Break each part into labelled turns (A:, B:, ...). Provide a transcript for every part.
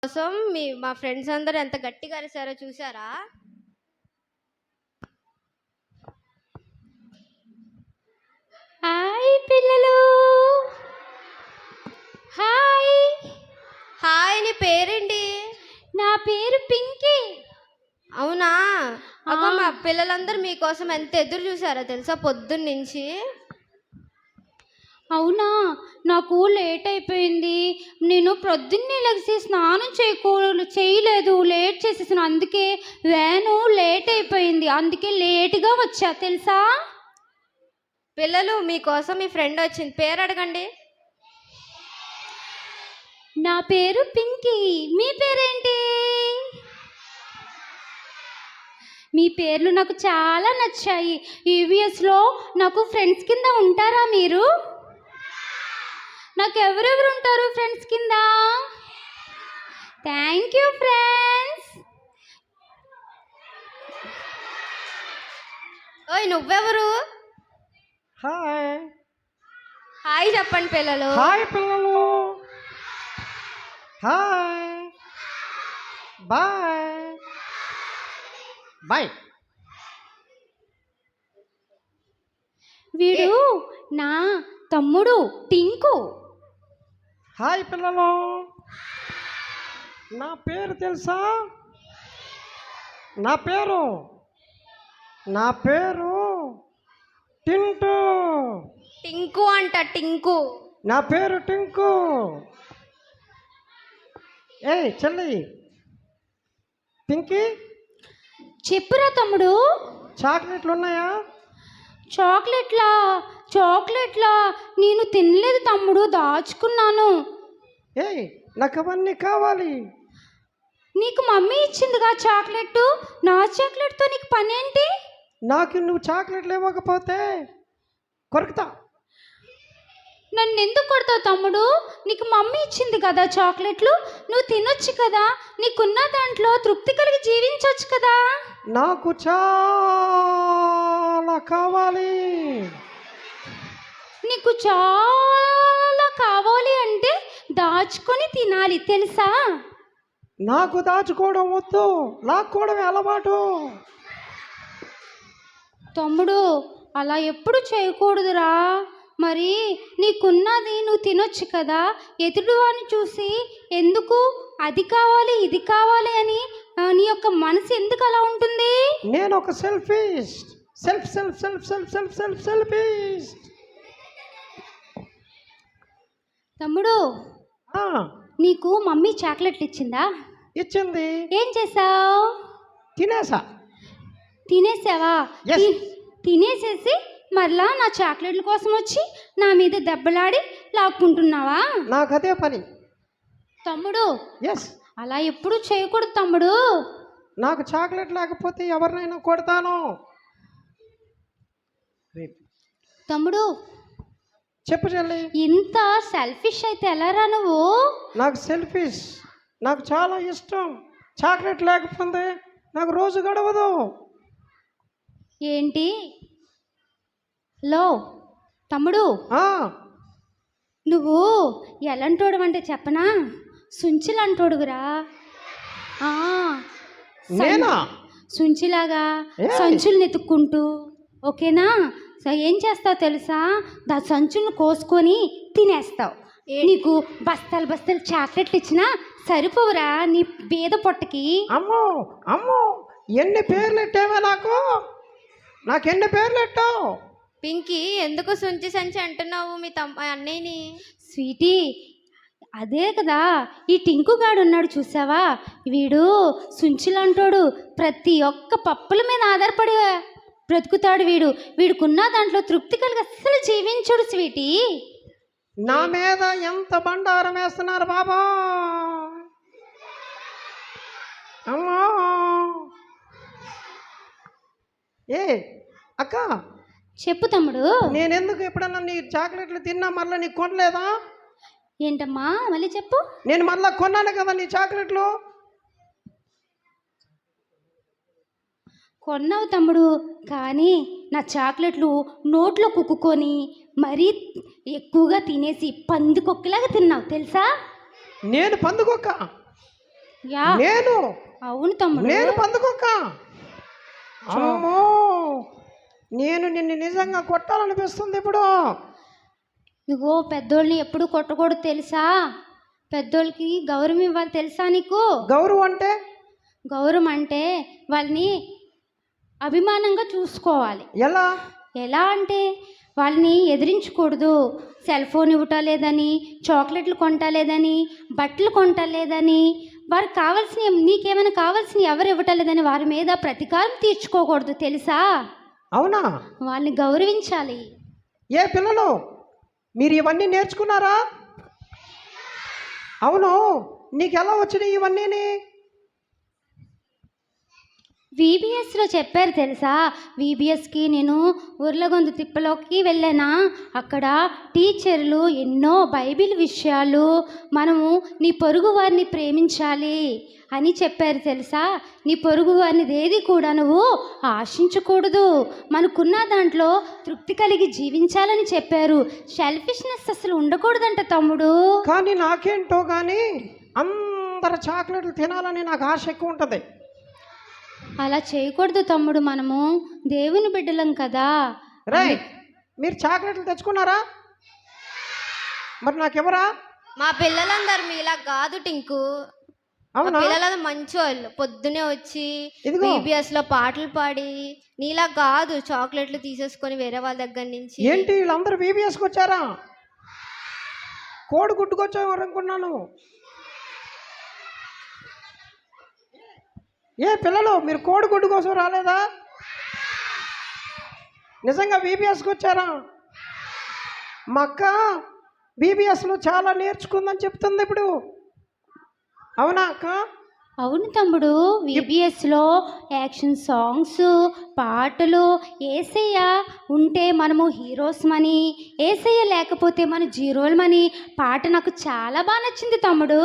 A: కోసం మా ఫ్రెండ్స్ అందరూ ఎంత గట్టిగా అరిసారో చూసారా?
B: హాయ్ పిల్లలు. హాయ్.
A: హాయ్, నీ పేరేంటి?
B: నా పేరు పింకీ.
A: అవునా? అగో మా పిల్లలందరూ మీకోసం ఎంత ఎదురు చూసారో తెలుసా పొద్దున్న నుంచి.
B: అవునా, నాకు లేట్ అయిపోయింది. నేను ప్రొద్దున్నే లెగిసి స్నానం చేయలేదు, లేట్ చేసేసాను. అందుకే వ్యాను లేట్ అయిపోయింది, అందుకే లేట్గా వచ్చా తెలుసా.
A: పిల్లలు, మీకోసం మీ ఫ్రెండ్ వచ్చింది, పేరు అడగండి.
B: నా పేరు పింకీ. మీ పేరేంటి? మీ పేర్లు నాకు చాలా నచ్చాయి. ఈవీఎస్లో నాకు ఫ్రెండ్స్ కింద ఉంటారా మీరు? నాకు ఎవరెవరు ఉంటారు ఫ్రెండ్స్ కింద? Thank you friends.
A: ఓయ్, నువ్వెవరు?
C: హాయ్.
A: హాయ్ చెప్పండి పిల్లలు.
C: హాయ్ పిల్లలు. హాయ్. Bye bye.
B: వీడు నా తమ్ముడు టింకు.
C: హాయ్ పిల్లలు. నా పేరు తెలుసా? నా పేరు టింటు.
A: టింకు అంట, టింకు.
C: నా పేరు టింకు. ఏయ్ చెల్లి పింకీ,
B: చెప్పురా తమ్ముడు.
C: చాక్లెట్లు ఉన్నాయా?
B: చాక్లెట్లా నేను తినలేదు తమ్ముడు, దాచుకున్నాను.
C: ఏయ్, నాకు అవన్నీ కావాలి.
B: నీకు మమ్మీ ఇచ్చిందిగా చాక్లెట్. నా చాక్లెట్తో నీకు పని ఏంటి?
C: నాకు నువ్వు చాక్లెట్లు ఇవ్వకపోతే కొరుకుతా.
B: నన్ను ఎందుకు కొడతావు తమ్ముడు? నీకు మమ్మీ ఇచ్చింది కదా చాక్లెట్లు, నువ్వు తినొచ్చు కదా. నీకున్న దాంట్లో తృప్తి కలిగి జీవించవచ్చు కదా.
C: నాకు చాలా కావాలి.
B: నీకు చాలా కావాలి అంటే దాచుకొని తినాలి తెలుసా.
C: నాకు దాచుకోవడం వద్దు, లాక్కోవడమే అలవాటు.
B: తమ్ముడు, అలా ఎప్పుడు చేయకూడదురా. మరి నీకున్నది నువ్వు తినొచ్చు కదా. ఎదుటివాడిని చూసి ఎందుకు అది కావాలి ఇది కావాలి అని నీ యొక్క మనసు ఎందుకు అలా ఉంటుంది?
C: నేను ఒక సెల్ఫిస్ట్. సెల్ఫిస్ట్.
B: తమ్ముడు, నీకు మమ్మీ చాక్లెట్లు ఇచ్చిందా?
C: ఇచ్చింది.
B: ఏం చేసావు? తినేసావా? తినేసేసి మరలా నా చాక్లెట్ల కోసం వచ్చి నా మీద దెబ్బలాడి లాక్కుంటున్నావా?
C: నాకు అదే పని.
B: తమ్ముడు,
C: ఎస్,
B: అలా ఎప్పుడు చేయకూడదు తమ్ముడు.
C: నాకు చాక్లెట్ లేకపోతే ఎవరినైనా కొడతాను.
B: తమ్ముడు,
C: చెప్పు చెల్లి.
B: ఇంత సెల్ఫిష్ అయితే ఎలారా నువ్వు?
C: నాకు సెల్ఫిష్, నాకు చాలా ఇష్టం. చాక్లెట్ లేకపోతే నాకు రోజు గడవదు.
B: ఏంటి లో తమ్ముడు, నువ్వు ఎలాంటోడు అంటే చెప్పనా? సుంచిలంటోడుగురా.
C: నేనా?
B: సుంచిలాగా సంచుల్ని ఎత్తుక్కుంటూ, ఓకేనా? సో ఏం చేస్తావు తెలుసా? సంచులను కోసుకొని తినేస్తావు. నీకు బస్తాలు చాక్లెట్లు ఇచ్చినా సరిపోవురా నీ బీద పొట్టకి.
C: అమ్మో ఎన్ని పేర్లు ఎట్టావా? నాకెన్ని పేర్లు ఎట్టావు?
A: పింకీ, ఎందుకు సుంచి సంచి అంటున్నావు మీ అన్నయ్యని?
B: స్వీటీ, అదే కదా ఈ టింకుగాడు ఉన్నాడు చూసావా, వీడు సుంచిలంటోడు. ప్రతి ఒక్క పప్పుల మీద ఆధారపడి బ్రతుకుతాడు. వీడుకున్న దాంట్లో తృప్తి కలిగి అస్సలు జీవించడు స్వీటీ.
C: నా మీద ఎంత బండారం వేస్తున్నారు బాబా. అమ్మా. ఏ అక్క,
B: చెప్పు తమ్ముడు.
C: నేనెందుకు ఎప్పుడన్నా నీ చాక్లెట్లు తిన్నా మళ్ళీ నీకు కొనలేదా?
B: ఏంటమ్మా మళ్ళీ చెప్పు.
C: నేను మళ్ళీ కొన్నాను కదా నీ చాక్లెట్లు.
B: కొన్నావు తమ్ముడు, కానీ నా చాక్లెట్లు నోట్లో కుక్కుకొని మరీ ఎక్కువగా తినేసి పందికొక్కలాగా తిన్నావు తెలుసా.
C: నేను పందుకొక్క?
B: యా
C: నేను
B: అవును తమ్ముడు.
C: నేను పందుకొక్క. అమ్మో, నేను నిన్ను నిజంగా కొట్టాలనిపిస్తుంది ఇప్పుడు.
B: ఇగో పెద్దోళ్ళని ఎప్పుడు కొట్టకూడదు తెలుసా? పెద్దోళ్ళకి గౌరవం ఇవ్వాలి తెలుసా నీకు?
C: గౌరవం అంటే
B: గౌరవం అంటే వాళ్ళని అభిమానంగా చూసుకోవాలి.
C: ఎలా?
B: ఎలా అంటే వాళ్ళని ఎదిరించకూడదు. సెల్ ఫోన్ ఇవ్వటలేదని, చాక్లెట్లు కొంటలేదని, బట్టలు కొంటలేదని, వారికి కావాల్సిన నీకేమైనా కావాల్సిన ఎవరు ఇవ్వటలేదని వారి మీద ప్రతీకారం తీర్చుకోకూడదు తెలుసా?
C: అవునా?
B: వాళ్ళని గౌరవించాలి.
C: ఏ పిల్లలు, మీరు ఇవన్నీ నేర్చుకున్నారా? అవును, నీకు ఎలా వచ్చినాయి ఇవన్నీ?
B: వీబీఎస్లో చెప్పారు తెలుసా? వీబీఎస్కి నేను ఉర్లగొందు తిప్పలోకి వెళ్ళానా, అక్కడ టీచర్లు ఎన్నో బైబిల్ విషయాలు, మనము నీ పొరుగు వారిని ప్రేమించాలి అని చెప్పారు తెలుసా? నీ పొరుగు వారిని ఏది కూడా నువ్వు ఆశించకూడదు, మనకున్న దాంట్లో తృప్తి కలిగి జీవించాలని చెప్పారు. సెల్ఫిష్నెస్ అసలు ఉండకూడదంట తమ్ముడు.
C: కానీ నాకేంటో కానీ అందరు చాక్లెట్లు తినాలని నాకు ఆశ ఎక్కువ ఉంటుంది.
B: అలా చేయకూడదు తమ్ముడు, మనము దేవుని బిడ్డలం కదా.
C: రే, మీరు చాక్లెట్లు తెచ్చుకున్నారా? మరి నాకెవరా?
A: మా పిల్లలందరూ మీలా కాదు టింకు. మా
C: అవునా?
A: పిల్లలందరూ మంచి వాళ్ళు, పొద్దునే వచ్చి
C: ఇదిగో.
A: బీబీఎస్ లో పాటలు పాడి, నీలా కాదు చాక్లెట్లు తీసేసుకొని వేరే వాళ్ళ దగ్గర నుంచి.
C: ఏంటి వీళ్ళందరూ బీబీఎస్కి వచ్చారా? కోడి గుడ్డుకొచ్చావు అనుకున్నాను. ఏ పిల్లలు, మీరు కోడి గుడ్డు కోసం రాలేదా? నిజంగా బీబీఎస్కి వచ్చారా? మా అక్క బీబీఎస్లో చాలా నేర్చుకుందని చెప్తుంది ఇప్పుడు. అవునా అక్క?
B: అవును తమ్ముడు, వీబీఎస్లో యాక్షన్ సాంగ్స్, పాటలు, ఏసయ్య ఉంటే మనము హీరోస్మని, ఏసయ్య లేకపోతే మన జీరోలమని పాట నాకు చాలా బాగా నచ్చింది తమ్ముడు.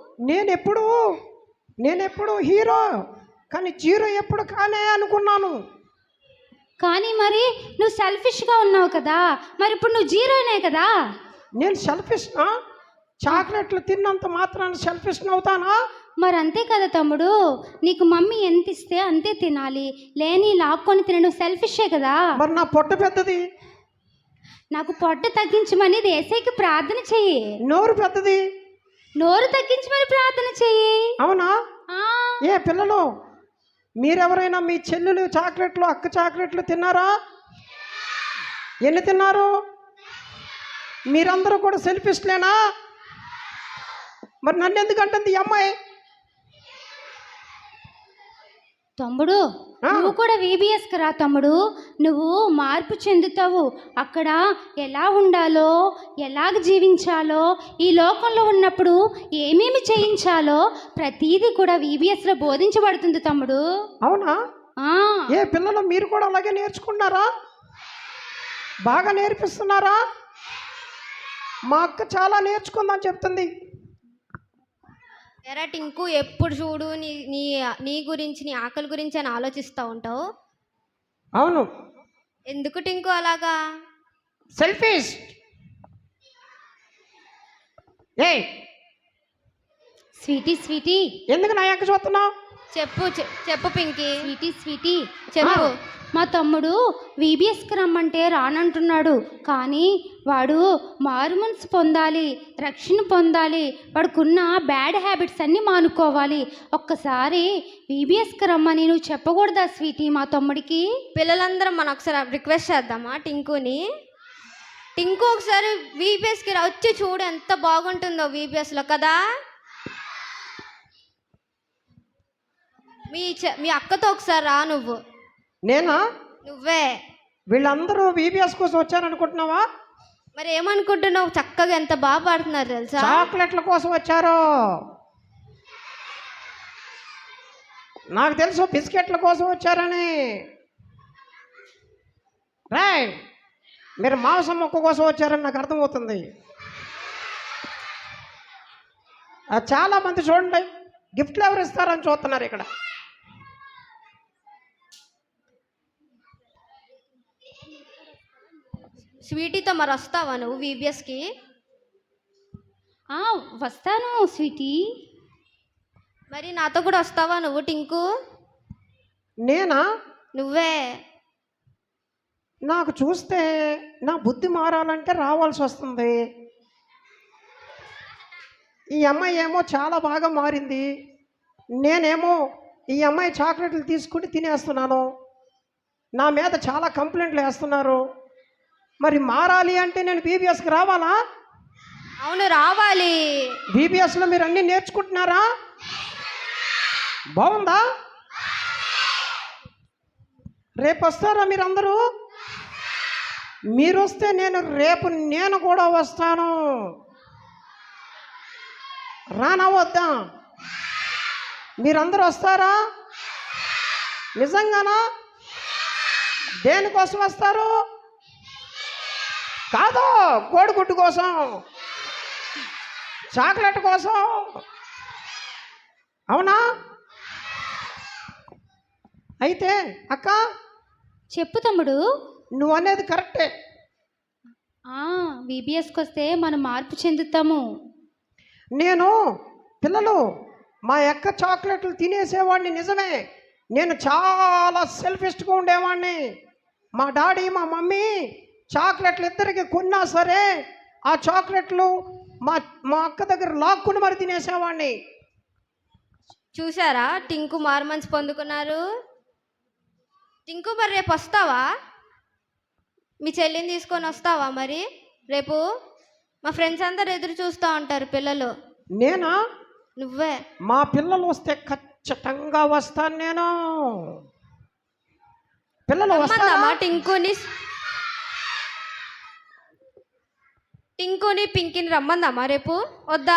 C: నేనెప్పుడు హీరో కానీ జీరో ఎప్పుడు కానే అనుకున్నాను.
B: కానీ మరి నువ్వు సెల్ఫిష్గా ఉన్నావు కదా, మరి ఇప్పుడు నువ్వు జీరోనే కదా.
C: నేను సెల్ఫిష్నా? చాక్లెట్లు తిన్నంత మాత్రాన్ని సెల్ఫిష్ అవుతానా?
B: మరి అంతే కదా తమ్ముడు, నీకు మమ్మీ ఎంత ఇస్తే అంతే తినాలి, లేని లాక్కొని తినడం సెల్ఫిషే కదా.
C: మరి నా పొట్ట పెద్దది,
B: నాకు పొట్ట తగ్గించమని ఏసైకి ప్రార్థన చెయ్యి.
C: నోరు పెద్దది,
B: నోరు తగ్గించమని ప్రార్థన చెయ్యి.
C: అవునా?
B: ఆ,
C: ఏ పిల్లలు, మీరెవరైనా మీ చెల్లెలు చాక్లెట్లు, అక్క చాక్లెట్లు తిన్నారా? ఎన్ని తిన్నారు? మీరందరూ కూడా సెల్ఫిష్లేనా? మరి నన్ను ఎందుకంటుంది ఈ అమ్మాయి?
B: తమ్ముడు నువ్వు కూడా వీబీఎస్కి రా తమ్ముడు, నువ్వు మార్పు చెందుతావు. అక్కడ ఎలా ఉండాలో, ఎలాగ జీవించాలో, ఈ లోకంలో ఉన్నప్పుడు ఏమేమి చేయించాలో ప్రతీది కూడా వీబీఎస్లో బోధించబడుతుంది తమ్ముడు.
C: అవునా?
B: ఆ,
C: ఏ పిల్లలు, మీరు కూడా అలాగే నేర్చుకున్నారా? బాగా నేర్పిస్తున్నారా? మా అక్క చాలా నేర్చుకుందని చెప్తుంది.
A: ఎరా టింకు, ఎప్పుడు చూడు నీ నీ నీ గురించి, నీ ఆకలి గురించి అని ఆలోచిస్తూ ఉంటావు.
C: అవును,
A: ఎందుకు టింకు అలాగా?
C: సెల్ఫిష్. ఏ
B: స్వీటీ స్వీటీ,
C: ఎందుకు నా అక్క చూస్తున్నావు?
A: చెప్పు పింకీ,
B: స్వీటీ స్వీటీ,
A: చెప్పు.
B: మా తమ్ముడు వీబీఎస్కి రమ్మంటే రానంటున్నాడు, కానీ వాడు మారు మనసు పొందాలి, రక్షణ పొందాలి, వాడుకున్న బ్యాడ్ హ్యాబిట్స్ అన్నీ మానుకోవాలి. ఒక్కసారి వీబీఎస్కి రమ్మని నువ్వు చెప్పకూడదా స్వీటీ మా తమ్ముడికి?
A: పిల్లలందరం మనం ఒకసారి రిక్వెస్ట్ చేద్దామా టింకుని? టింకు ఒకసారి వీబీఎస్కి వచ్చి చూడు, ఎంత బాగుంటుందో వీబీఎస్లో కదా. మీ అక్కతో ఒకసారి రా నువ్వు.
C: నేనా?
A: నువ్వే.
C: వీళ్ళందరూ బీబీఎస్ కోసం వచ్చారనుకుంటున్నావా?
A: మరి ఏమనుకుంటున్నావు? చక్కగా ఎంత బాగా పాడుతున్నారు తెలుసా.
C: చాక్లెట్ల కోసం వచ్చారు. నాకు తెలుసు బిస్కెట్ల కోసం వచ్చారని. రాయ్, మీరు మాంసం మొక్క కోసం వచ్చారని నాకు అర్థమవుతుంది. చాలామంది చూడండి, గిఫ్ట్లు ఎవరు ఇస్తారని చూస్తున్నారు ఇక్కడ.
A: స్వీటీతో మరి వస్తావా నువ్వు వీబీఎస్కి?
B: వస్తాను స్వీటీ.
A: మరి నాతో కూడా వస్తావా నువ్వు టింకు?
C: నేనా?
A: నువ్వే.
C: నాకు చూస్తే నా బుద్ధి మారాలంటే రావాల్సి వస్తుంది. ఈ అమ్మాయి ఏమో చాలా బాగా మారింది, నేనేమో ఈ అమ్మాయి చాక్లెట్లు తీసుకుని తినేస్తున్నాను. నా మీద చాలా కంప్లైంట్లు వేస్తున్నారు. మరి మారాలి అంటే నేను బీబీఎస్కి రావాలా?
A: అవును, రావాలి.
C: బీబీఎస్లో మీరు అన్నీ నేర్చుకుంటున్నారా? బాగుందా? రేపు వస్తారా మీరందరూ? మీరు వస్తే రేపు నేను కూడా వస్తాను. రానా వద్దా? మీరందరూ వస్తారా? నిజంగానా? దేనికోసం వస్తారు? కాదు, కోడిగుడ్డు కోసం, చాక్లెట్ కోసం. అవునా? అయితే అక్క,
B: చెప్పు తమ్ముడు.
C: నువ్వు అనేది కరెక్టే.
B: బీబీఎస్కి వస్తే మనం మార్పు చెందుతాము.
C: నేను పిల్లలు మా అక్క చాక్లెట్లు తినేసేవాడిని, నిజమే. నేను చాలా సెల్ఫిష్గా ఉండేవాడిని. మా డాడీ మా మమ్మీ చాక్లెట్లు ఇద్దరికి కొన్నా సరే ఆ చాక్లెట్లు మా అక్క దగ్గర లాక్కుని మరి తినేసేవాడిని.
A: చూసారా టింకు మార్మన్స్ పొందుకున్నారు. టింకు మరి రేపు వస్తావా? మీ చెల్లిని తీసుకొని వస్తావా మరి రేపు? మా ఫ్రెండ్స్ అందరు ఎదురు చూస్తూ ఉంటారు పిల్లలు.
C: నేనా?
A: నువ్వే.
C: మా పిల్లలు వస్తే ఖచ్చితంగా వస్తాను నేను. పిల్లలు వస్తారా?
A: టింకుని పింకిని రమ్మందామా రేపు? వద్దా?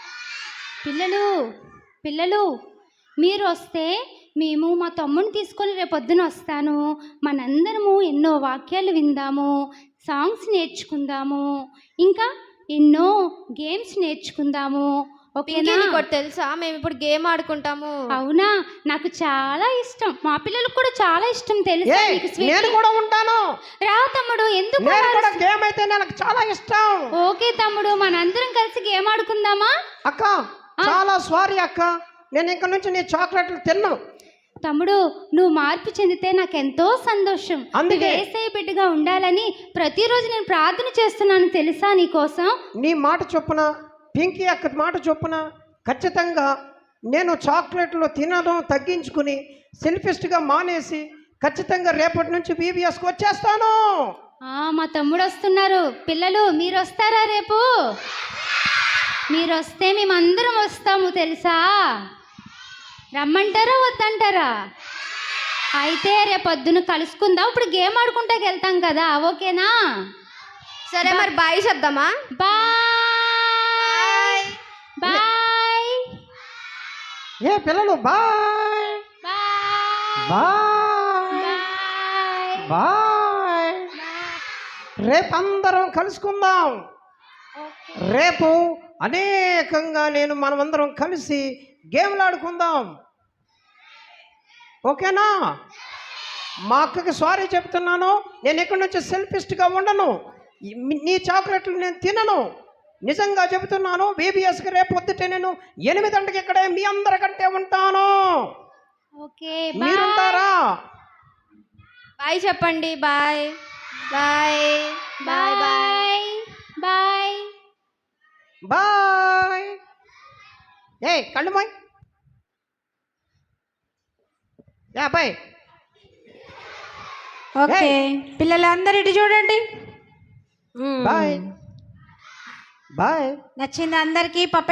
B: పిల్లలు మీరు వస్తే మేము మా తమ్ముడిని తీసుకొని రేపొద్దున వస్తాను. మనందరము ఎన్నో వాక్యాలు విందాము, సాంగ్స్ నేర్చుకుందాము, ఇంకా ఎన్నో గేమ్స్ నేర్చుకుందాము. ఓకేనా?
A: నీకు తెలుసా మేము ఇప్పుడు గేమ్ ఆడుకుంటాము.
B: అవునా? నాకు చాలా ఇష్టం, మా పిల్లలకు కూడా చాలా ఇష్టం తెలుసా?
C: నేను కూడా ఉంటాను.
B: రా తమ్ముడు. ఎందుకు?
C: గేమ్ అయితే నాకు చాలా ఇష్టం.
B: ఓకే తమ్ముడు, మనందరం కలిసి గేమ్ ఆడుకుందామా?
C: అక్క చాలా సారీ అక్క, నేను ఇక్కడ నుంచి నీ చాక్లెట్లు తిన్నాను.
B: తమ్ముడు, నువ్వు మార్పు చెందితే నాకెంతో సంతోషం.
C: అందుకే
B: యేసయ్య బిడ్డగా ఉండాలని ప్రతిరోజు నేను ప్రార్థన చేస్తున్నాను తెలుసా నీకోసం.
C: నీ మాట చొప్పున, పింకీ అక్క మాట చొప్పున ఖచ్చితంగా నేను చాక్లెట్లు తినడం తగ్గించుకుని సెల్ఫిస్ట్గా మానేసి ఖచ్చితంగా రేపటి నుంచి బీబీఎస్కి వచ్చేస్తాను.
B: మా తమ్ముడు వస్తున్నారు. పిల్లలు మీరు వస్తారా రేపు? మీరు వస్తే మేమందరం వస్తాము తెలుసా? రమ్మంటారా వద్దంటారా? అయితే రేపొద్దున కలుసుకుందాం. ఇప్పుడు గేమ్ ఆడుకుంటాకి వెళ్తాం కదా, ఓకేనా?
A: సరే మరి బాయ్ చేద్దామా?
B: Bye bye.
C: ఏ పిల్లలు బాయ్ బాయ్ బాయ్. రేపు అందరం కలుసుకుందాం. రేపు అనేకంగా మనమందరం కలిసి గేమ్లు ఆడుకుందాం, ఓకేనా? మా అక్కకి సారీ చెప్తున్నాను. నేను ఇక్కడి నుంచి సెల్ఫిస్ట్గా ఉండను. నీ చాక్లెట్లు నేను తినను. నిజంగా చెబుతున్నాను. బీబీఎస్కి రేపు పొద్దుటే నేను 8 గంటలకు ఇక్కడే మీ అందరికంటే ఉంటాను.
B: ఓకే,
C: మీరుంటారా?
A: బాయ్ చెప్పండి. Bye bye bye bye
B: bye
C: bye. ఏ కళ్ళు బాయ్. బాయ్.
D: ఓకే పిల్లలందరూ ఇటు చూడండి.
C: Bye bye.
D: నచ్చింది అందరికీ? పప్ప